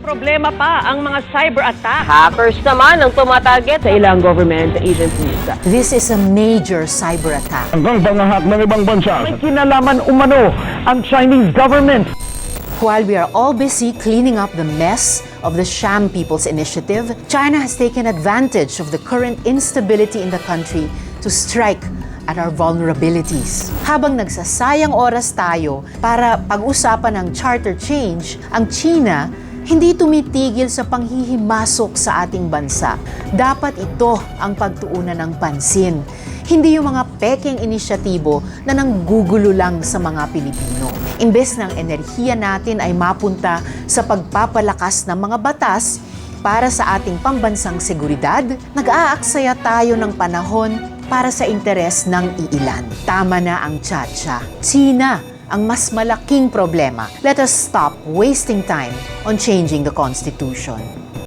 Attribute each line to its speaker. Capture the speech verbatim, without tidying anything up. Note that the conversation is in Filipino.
Speaker 1: Problema pa ang mga cyber attack.
Speaker 2: Hackers naman ang tumatarget sa ilang government agencies.
Speaker 3: This is a major cyber attack.
Speaker 4: Hanggang pangahak ng ibang bansa. May kinalaman umano ang Chinese government.
Speaker 3: While we are all busy cleaning up the mess of the Sham People's Initiative, China has taken advantage of the current instability in the country to strike at our vulnerabilities. Habang nagsasayang oras tayo para pag-usapan ng charter change, ang China hindi tumitigil sa panghihimasok sa ating bansa. Dapat ito ang pagtuunan ng pansin. Hindi yung mga peking inisyatibo na nanggugulo lang sa mga Pilipino. Imbes ng enerhiya natin ay mapunta sa pagpapalakas ng mga batas para sa ating pambansang seguridad, nag-aaksaya tayo ng panahon para sa interes ng iilan. Tama na ang tsa-tsa. China ang mas malaking problema. Let us stop wasting time on changing the Constitution.